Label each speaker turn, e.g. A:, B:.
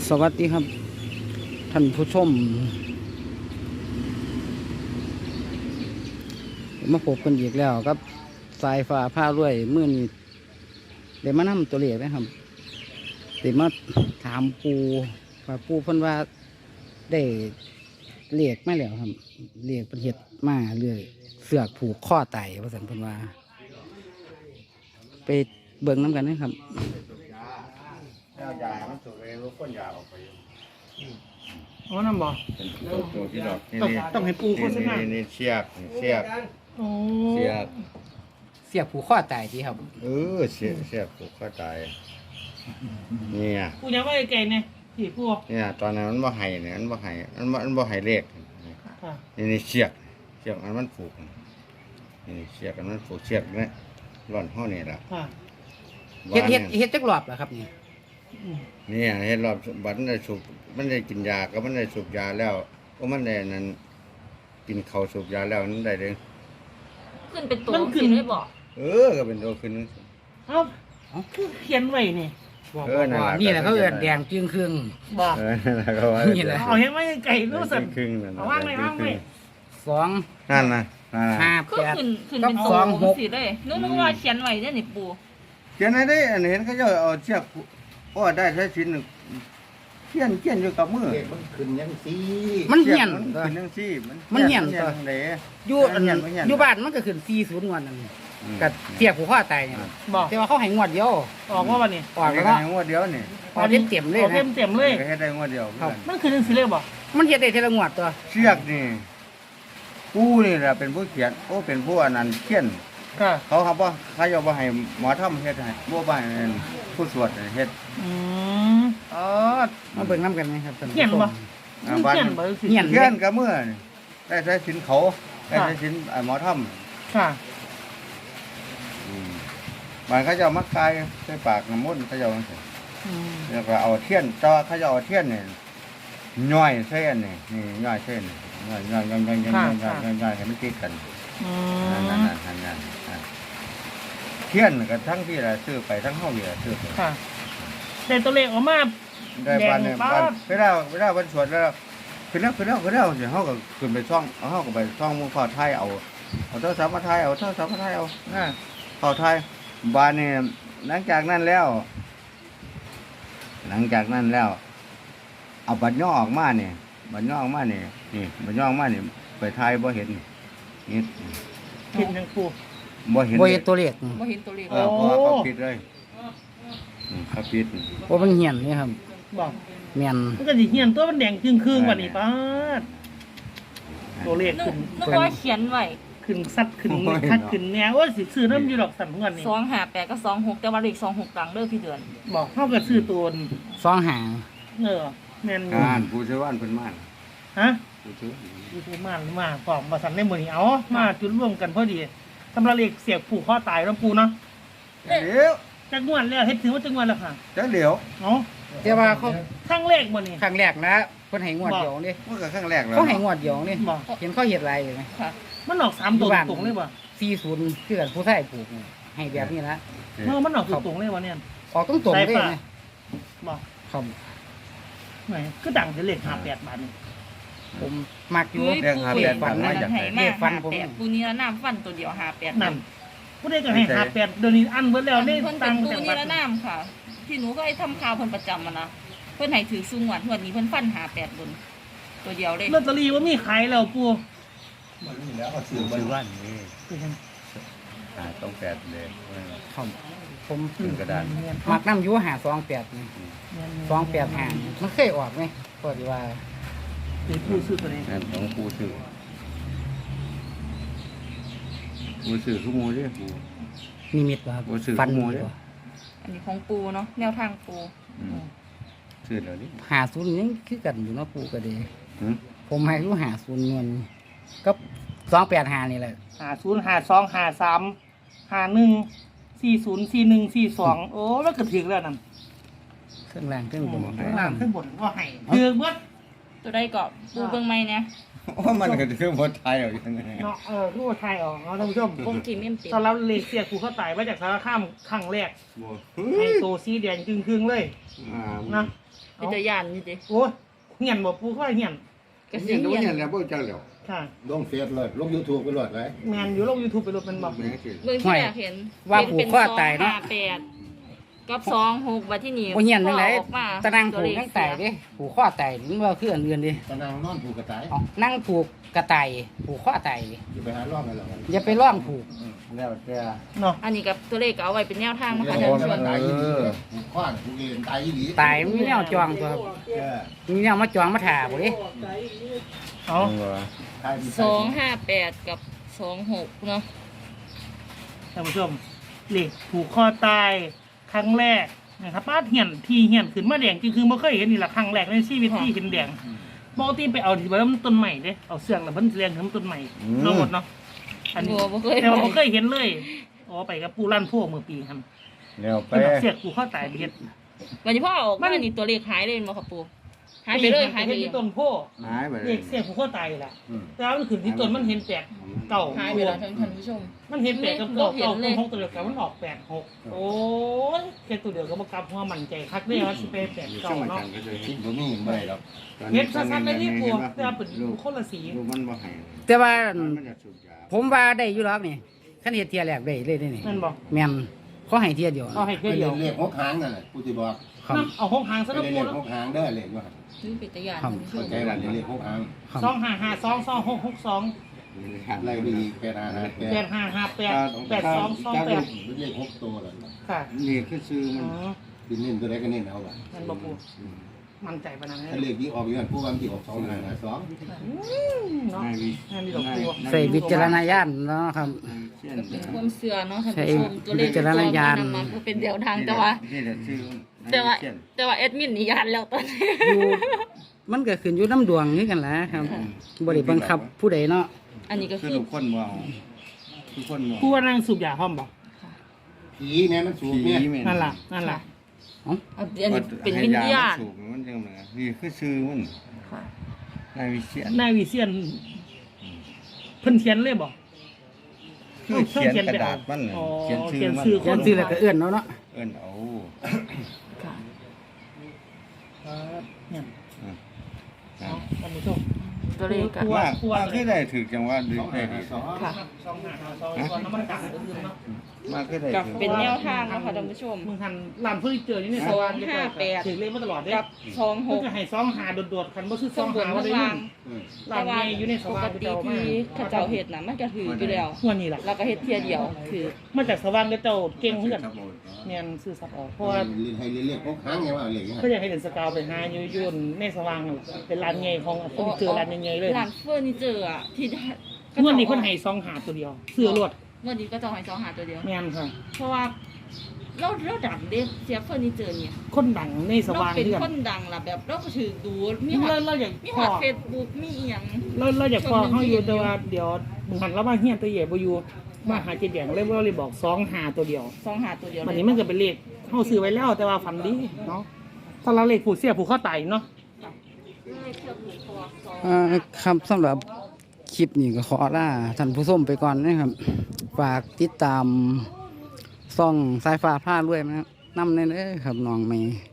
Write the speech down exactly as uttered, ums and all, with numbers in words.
A: สวัสดีครับท่านผู้ชมมาพบกันอีกแล้วครับสายฟ้าผ้าด้วย มื่อนี้เดี๋ยวมานำตัวเลขนะครับเดี๋ยวมาถามปูว่าปูเพิ่นว่าได้เลขไม่แล้วครับเลขประเทศมาเรื่อยเสือกผูกข้อไตว่าสันเพิ่นว่าไปเบิ่งน้ำกันนะครับ
B: ยามันสูบเองรู้ก้นยาออกไป
C: อ๋อน้ำบ่
B: เป็นตัวตัวที่ดอกนี่
C: ต้อง
B: นี่
C: ต้องให้ปูโฆษณา
B: นี่นี่เชือกเชือก
C: โอ้
B: เชือก
A: เสียบผูกข้อไตทีครับ
B: เออเชือกเชือกผูกข้อตายเนี่ย
C: ปูยังว่าไอ้ไก่เนี่ยผีปู
B: เนี่ยตอนนั้นมันบ่ไห้เนี่ยมันบ่ไห้มันบ่มันบ่ไห้เลข
C: ค่ะ
B: นี่นี่เชือกเชือกมันมันผูกนี่เชือกมันผูกเชือกเนี่ยร่อนห้อนี่แหละ
C: ค่ะ
A: เฮ็ดเฮ็ดเฮ็ดจักรอบเหรอครับนี่
C: อืม
B: นี่เฮ็ดรอบบัดมันได้สูบมันได้กินยาก็มันได้สูบยาแล้วก็มันได้นั้นกินข้าวสูบยาแล้วมันได้เด้
D: ขึ้นเป็นตัวขึ้นไม่บอก
B: เออก็เป็นตัวขึ้น
C: เอ้าคือเขียนไว้นี่
A: บอก
B: เออนั่น
A: ว่า
B: ล่ะ
A: นี่แหละเขาเอิ้นแดงจึงครึ่ง
C: บอก
B: เออนั่นแหละก็ว่า
A: นี่แหละ
C: เอาเห็นไหมไอ้ไก่รู้สึก
B: ครึ่งนั่น
C: เอาว่างไว้ว่างไว้
A: สอง
B: นั่นนะนั่นน่ะ
A: ห้า
D: คือ
A: แปด
D: ขึ้นขึ้น
A: กับ
D: เป็น
A: ส
D: ตัว
A: องหก
D: สิเลยนึกนึกว่าเขียนไว้เนี่ยนี่ปู
B: เขียนให้ได้อันเห็นเขาจะเอาเชือกโอ้ได้ใช้ชิ้นหนึ่งเขียนเขียนอยู่กับมือ
E: มันขึ้นยังสี
A: มันเหียน
B: มัน
A: ตัว
B: ขึ้นจังซี่
A: มันเหี่ยน
B: มั
A: ตัว
B: จังได๋
A: อยู่อัน
B: มันเหี่ยนมันเหี่ยน
A: อยู่บ้านมันก็ขึ้นสี่ศูนย์งวดนั่น
B: อืม
A: กับเสียบผูกข้อไตเนี่ย
C: บอก
A: แต่ว่าเขาให้งวดเดียว
C: ออกว่าวันนี้
A: ออก
B: นี่
A: แล้ว
B: ก็
A: ก็
B: ให้งวดเดียวนี่
A: ออกเต็มเต็มๆเลย
C: ออกเต็
A: นะ
C: มเต็มๆเลย
B: ก็ให้ได้งวดเดียว
A: ครับ
C: มันคือหนังสือเลยบอก
A: มันเฮ็ดได้ทีละงวดตัว
B: เชือกนี่ผู้นี่แหละเป็นผู้เขียนโอ้เป็นผู้อันนั้นเขียน
C: ค่ะ
B: เขาครับว่าเขาจะบ่ให้หมอทำเฮ็ดให้บ่บ่ให้ผู้สวดเฮ็ด
C: อืม
A: อ๋อมาเบิ่งน้ำกันไหมครับท่านผู้ชม
C: เขียนบ่
B: อ่า
C: มัน
B: บ้าน
C: เขียนบ่สิ
A: เขียน
B: เขียนกับมือนี่ได้ใช้สินเขาได้ใช้สินไอ้หมอทำ
C: ค่ะ
B: บางเขาจะเอามักกายใส่ปากน้ำมันต์เขาจะเอาจังซี่
C: อืม
B: แล้วก็เอาเทียนแต่ว่าเขาจะเอาเทียนนี่ย่อยเส้นนี่นี่ย่อยเส้นย่อยย่อยย่อยย่อยย่อยย่อยย่อยย่อยย่อยให้มันติดกัน
C: อื
B: นั่นนั่น
C: ม
B: นั่นนั่นนั่นนั่นเทียนก็ทั้งที่ละซื้อไปทั้งเฮานี่ละซื้อไป
C: ค่ะแต่ตัวเลขออกมา
B: ได้บ้านเนี่ย
C: แดง
B: บ้าน
C: ปั๊บ
B: เวลาเวลาวันสวดแล้วขึ้นแล้วขึ้นแล้วขึ้นแล้วสิเฮาก็ขึ้นไปช่องเอาเฮาก็ไปช่องหมู่พ่อไทยเอาเอาโทรศัพท์มาไทยเอาโทรศัพท์มาไทยเอานะพ่อไทยบ้านนี่หลังจากนั้นแล้ว หลังจากนั้นแล้ว เอาบัตรย่อออกมาเนี่ยบัตรย่อออกมาเนี่ยนี่บัตรย่อออกมาเนี่ยไปไทยบ่เห็นนี่
C: เขียนยังปู
B: บ่เห็น
A: บ่เฮ็ดตัวเลข
D: ว่าเห็นตัวเลข
B: เออเพราะว่าเขาปิดเลยอืมเขาปิด
A: ว่ามันเหี่ยนนี่ครับ
C: บอก
A: แม่น
C: มันก็สิเขียนตัวมันแดงครึ่งครึ่งๆกว่านี้ป้าดตัวเลข
D: นึก
C: ขึ้น
D: นึกว่าเขียนไว้
C: ขึ้นสัตว์ขึ้นคัดขึ้นแนวว่าสิซื้อน้ำอยู่ดอกสันเงินนี่
D: สองห้าแปดก็สองหกแต่ว่าเลขสองหกตังเด้อพี่เดือน
C: บอกเท่ากับซื้อตัวนี่
A: สองหาง
C: เออแม่นอยู่
B: งานผู้ช่วยว่านเพิ่นมา
C: ฮะ
B: ผู้ช่วย
C: ยูทูบมาหรือมาฟองมาสั่นในมือนี่เอามาจุดร่วมกันพอดีสำหรับเลขเสียบผูกข้อตายแล้วปูเนาะ
B: จักเดี๋ยว
C: จักงวนแล้วเฮ็ดถือว่าจักงวนแล้วค่ะ
B: จักเดี๋ยว
C: เนาะ
A: แต่ว่าเขา
C: ครั้งแรกบ่นี่
A: ครั้งแรกนะเพิ่นให้งวดเดียวนี่
B: มันก็ครั้งแรกแล้ว
A: เขาให้งวดเดียวนี่
C: บอก
A: เห็นเขาเฮ็ดอะไรอยู่ไหม
D: ค่ะ
C: มันออกสามตัวตรงๆเลยบ่
A: สี่ศูนย์คือกันผู้ชายผูกนี่ให้แบบนี้นะ
C: เออมันออกตรงๆเลยบ่เนี่ย
A: ออกตรงๆเลยนะ
C: บอก
A: ครับ
C: ไหนก็ดังจะเลขห้าแปดบาทนี่
A: ผมมักอยู่
D: อุ้ย
B: เรื่องหา
D: ปู
B: แปด
D: ฟั
B: บาท
D: น
B: มา
D: นั่
B: จาก
D: น
B: ไหน
D: ให้มากห้าแปดปูนี้ละน้ำฟันตัวเดียวห้าแปด
C: นั่นผู้ใดก็ให้ห้าแปดเดี๋ยวนี้อันเบิดแล้วนี่
D: เพิ่น
C: ตั
D: เป็
C: ง
D: น
C: ค์
D: ปู
C: จาก
D: นี้
C: บัต
D: ละ
C: ร
D: น้ำค่ะ ที่หนูก็ให้ทำข่าวเพิ่นประจำมานะเพิ่นให้ถือสูงหวัดวันนี้เพิ่นฟันห้าแปดบนตัวเดียวเลย
C: ลอตเตอรี่ว่ามีขายแล้วปู
E: มันนี่แล้วก็ซื้
B: ผู้
E: อมัน
B: ช่วยว่านนี่หาต้องแปดเลย
A: ครับผม
B: ขึ้นกระดาน
A: มักน้ำอยู่หาสองแปดนี่สองแปดหางมันเคยออกไหมก็ดีว่า
C: เป็นผู้ซื้อตัวนี้
B: นั่นของผู้ซื้อผู้ซื้อคือหมู่เด้ผู้
A: นิมิตบ่ครับ
B: โอ้สื่อ
A: ฟัน
B: ขโมยเด้อ
A: บ่
D: อันนี้ของปูเนาะแนวทางปู
B: อืมซื้อแล้วนี่
A: หาศูนย์ยังคือกันอยู่เนาะปูก็ดี
B: หืม
A: ผมให้รู้หาศูนย์เงินก็สองแปดหานี่แหละ
C: ห้าศูนย์ห้าสองห้าสามห้าหนึ่งสี่ศูนย์สี่หนึ่งสี่สองโอ้แล้วก็ถึงแล้วนั่น
A: เครื่องรางเครื่องบน
C: ข้างล่างขึ้นบนว่าให้ถือเบิด
D: ตัวใดก็ปูเบิ่งใหม่เนี่ย
B: ว่ามันก็คือบ่ไทยเอาอย่างนี้
C: เนาะเออรูปไทยออกเนาะท่านผู้ชม
D: วงพรีเมียมเต็ม
C: ตอนรับเลขเสียผูกข้อตายมาจากสารคามครั้งแรก
B: บ่
C: ให้โตสีแดงครึ่งๆเลย
B: อ่า
C: นะ
D: เป็นตัวย่านนี่ติ
C: โอ้ยเหียนบ่ปูเข้าไปเหียน
D: ก็สิ
B: เห็นดู
D: เฮีย
B: เห็
D: น
B: นแล้วบ่จังแล้ว
C: ค่ะ
E: ลงเฟซเลยลงยูทูบไปเลยไร
C: แมนอยู่ลง YouTube ไปรถเป็นบอก
B: แม่นสิ
D: เบิ่งที่แรกเห็น
A: ว่าผูกข้อตายเนาะ
D: ป็นสองห้แปดกับสองหกบัดที่นี่
A: บ่เฮียนจังได๋
D: ออกมา
A: ตะนางผูกจังไตเด้ผูกข้อไตมันว่าคืออันอื่นเดิ
E: ตะนางนอนผูกกระต่าย
A: เอานั่งผูกกระต่ายผูกข้อไต
E: อยู่ไปหาล่องกันหรอ
A: อย่าไปร่องผูก
B: แล้วแต่
C: เนาะ
D: อันนี้กับตัวเลขก็เอาไว้เป็นแนวทางนะคะ
E: เดี๋
D: ท่าน
E: ยว
D: ผู้ช
E: มัน
D: ม
E: ตายยี่หลีผูกข้อนผูกเอ็นตายยี่หลี
A: ตายมันมีแนวจองตัวครับ
E: เออ
A: มีแนวมาจองมาถ่าบ่เด้
C: เอา
E: ตาย
D: สองห้าแปดกับสองหกเนาะ
C: ท่านผู้ชมเลขผูกข้อตายครั้งแรกนะครับป้าเหียนที่เหียนขึ้นมาแดงจริงคือบ่เคยเห็นนี่แหละครั้งแรกในชีวิตที่เห็นแดงปกติไปเอาที่บ้านต้นใหม่เด้เอาเสือกแล้วเพิ่นเรียงถึงต้นใหม่ทั้งหมดเนาะอันนี้
D: บัวบ่เคย
C: แต่ว่าบ่เคยเห็นเลยอ๋อไปกับปูลั่นพวกเมื่อปีครับ
B: แล้วไป
C: เป็นแบบเสียกผูกข้อตายไปเฮ็ด
D: วันนี้พ่อออกมานี่ตัวเลขหายเลยบ่ครับปู่หายไปเลยหายไป
C: เฮ็ด
D: เลย
C: ที่ต้นโพ
B: หายไปเล
C: เด็
B: ย
C: กเสียกผูกข้อตายแหละแต่ว่ามันขึ้นที่ต้นมันเห็นแปลกเก่า
D: หายไปแล้วท่านท่านผู้ชม
C: มันเห็นแปลกกับเก่า
D: เห็น
C: เก่า
D: เล
C: ต้
D: ย
C: นหกตัวเดียวกันมันออกแปดหกโอ้ยแค่ตัวเดียวก็บ่กลับหัวมั่นใจคักเด้ว่าสิไปแปด
B: อยู่
C: เก่า
B: ช่วงอา
C: เนาะ
B: จารย์ก็จะ
E: คิ
B: เห็
E: ด
B: น
E: บ่มีไม่ได้หรอก
C: เฮ็ดซัดๆเลยนี่ปูแต่ว่าเป็น
B: ลูก
C: คนละสี
B: ลูกมันบ่ให้
A: แต่ว่า
B: มันจะสูบยา
A: ผมว่าได้อยู่หรอกนี่คันเฮ็ดเที่ยแรกได้เลยเด้นี่
C: นั่นบ่
A: แม่นขอให้เที่ยเดียว
C: เอาให้
E: ไป
C: เพื่อเดี
E: เรี
C: ย
E: ยว นเลขหกหางนั่นแหละผู้ที่บอก
A: ครับ
C: น้ำเอาหกหางซะ
E: ไป
C: แล้ว
E: เรียน
C: ปู
E: เลข
C: แล้ว
E: หกหางเด้อเลขว่า
D: นี่เป็นตัวอย่าง
A: ครับ
D: ท่านผู้ช
E: เข้าม ใจว่าเรียนเลขหกหาง
A: ครับ
C: สองห้าห้าสองสองหกหกสอง
E: ไล่ไปอีกแปดหาหาแป
C: แป
E: ด
C: ดห้าห้าแปดแปดสองสองแปด
E: เป็นเลขหกตัวแล้ว
C: ค่ะ
B: นี่คือซื้อ
C: อ๋
B: มัน
C: อ
E: ดินเน้นตัวใดก็เน้นเอาบ่
C: นั่นบ่ปูมั่นใจปานนั้น
E: ถ้า
C: เล
E: เลย ขที่ออกอยู่นั่นผู้ว่าที่ออกสองหาหาสอง
C: เนาะ
B: นายวิ
C: นั่นนี่ดอกปู
A: ใส่วิจารณญาณเนาะครับ
B: เช่น
D: เป็นความเชื่อเนาะท่าน
A: ใช่
D: ผู้ชมตัวเลข
A: วิจารณญาณ
D: ที่ตัวมันนำมาก็เป็นเดียวทางแต่ว่า
B: นี่แหละซื้อ
D: แต่ว่าแต่ว่าแอดมินนี่ยานแล้วตอนนี้
A: อยู่มันก็ขึ้นอยู่น้ำดวงนี่กันแหละครับบ่ได้บังคับผู้ใดเนาะ
D: อันนี้ก็
B: คือ
D: คือ
B: ทุกคนว่าทุกคนว่า
C: ปูว่านั่งสูบยาพร้อมบ่
E: ผีเนี่ยมันสูงเนี่ย
C: นั่นล่ะนั่นล่ะ
D: อันนี้เป็นวิญญาณ
B: สูบมันจังเลยนี่คือซื้อมัน
D: ค่ะ
B: นายวิเชียน
C: นายวิเชียนเพิ่นเขียนเลยบ่
B: คือเขียนกระดาษมันน่ะ
C: อ๋อ
B: เขียนชื่อมัน
C: เขียนชื่อ
A: เขียนชื่อแล้วก็เอื้อนเนาะเนาะ
B: เอิ้นเอา
D: ค่ะ
C: เนี่ย
B: อ่ะ
C: เอาท่านผู้ชม
D: ตัวเลขก็
C: ตัว
B: ว่า
C: ตัว
B: ว่าคือได้ถือจังว่าดึ
E: ส
B: ก
E: อง
B: ได้
E: หา
B: ดี
E: สอง
D: ค่ะ
C: สองห้าห้าสองสองน้ำมันกัดอื่นๆเนาะ
B: มาคือได้
D: กับ
B: ถือ
D: เป็นแนวทางเนาะค่ะท่านผู้ชม
C: มึงทันร้านเฟอร์นิเจอร์นี่เนี่ย
D: สองห้าแปด
C: ถึงเลขมาตลอดเด้
D: กับสองห
C: เพิ่น
D: ก
C: จะให้สองหาโดดๆคันบ่ซื้อส
D: ข้า
C: อง ง
D: บน
C: หาว่า
D: ข้าง
C: ได้
D: ล่า
C: เงิ
D: ง
C: น
D: แต่
C: ร้าน
D: ว่า
C: ใหญ่อยู่ในส
D: ป
C: ว่าก ง
D: ติที่เขาเจ้าเฮ็ดน่ะมันก็ถืออยู่แล้ว
C: หัวนี่ล่ะ
D: แล้วก็เฮ็ดเที่ยเดียวคือ
C: มาจากสว่างก็เจ้าเก่งเหมือนกัน
E: ครับผม
C: แม่นซื้อสับออกเพ
E: เพ
C: ราะ
E: ราะ
C: ว่า
E: ว่าเรียนให้เรียนเลขหกหางไงว่าเลข
C: เขาอยากให้เห็นสกาวไปหาอยู่อยู่ในสว่างนั่นเป็นร้านใหญ่ของเฟอร์นิเจอร์ร้านใหญ่ๆเลย
D: ร้านเฟอร์นิเจอร์อ่ะที่
C: เมื่อนี้เพิ่นให้สองหาตัวเดียวเสื้อรวด
D: เมื่อนี้ก็จะให้สองหาตัวเดียว
C: แม่นค่ะ
D: เพราะว่าเราเราดังเด้เสียเฟอร์นิเจอร์เนี่ย
C: คนดังในส
D: เรา
C: ว่าง
D: เป็น
C: เดือน
D: คนดังล่ะแบบเราก็ถือดูมีฮอ
C: เรา
D: ต
C: เราอยาก
D: มี
C: พ
D: ฮ
C: อ
D: อตเฟซบุ๊กมีอีหยัง
C: เราเราอยากพอเขาอยู่แต่ว่าเดี๋ยวมึงหันแล้วมาเฮียนตัวใหญ่บ่อยู่มาหาเจ็ดแดงเลยว่าเลยบอกสองหาตัวเดียว
D: สองหาตัวเดียว
C: วันนี้มันก็เป็นเลขเฮาซื้อไว้แล้วแต่ว่าฝันดีเนาะถ้าเราเลขผู้เสียผู้เข้าไตเนาะ
D: เลขเชือกผูกคอสอง
A: อ่าครับสำหรับคลิปนี้ก็ขอลาท่านผู้ชมไปก่อนนะครับ ฝากติดตามซ่องสายฟ้าผ้าด้วยนะครับนำในเด้อครับน้องใหม่